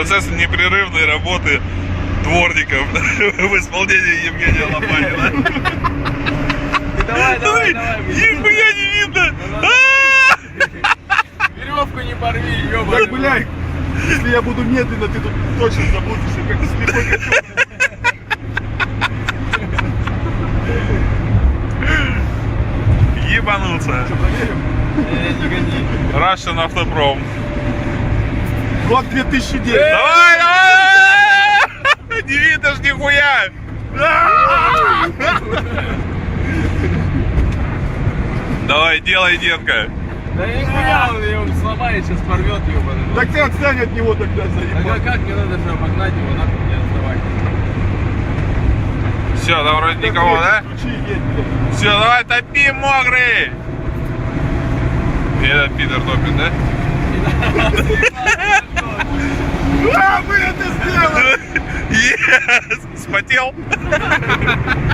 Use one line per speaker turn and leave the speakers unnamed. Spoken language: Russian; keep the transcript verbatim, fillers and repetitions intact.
Процесс непрерывной работы дворников в исполнении Евгения Лопатина.
Давай, давай, давай.
Нихуя не видно!
Веревку не порви, ёбаный.
Так, блядь, если я буду медленно, ты тут точно заблудишься, как слепой котенок.
Ебануться.
Что, проверим?
Не гони.
Russian Автопром.
Год две тысячи девять.
Давай, давай! Не видно ж нихуя! Давай, делай, детка.
Да я не понял, он его сломает, сейчас порвет ёбаный.
Так ты отстань от него тогда,
Так а
заебал.
как мне надо же обогнать его, нахуй мне отставать?
Все, там вроде никого, да?
Ключи, едь, блядь.
Все, давай, топи, мокрый! И этот Питер топит, да?
А, мы это сделали!
Yes! Спотел?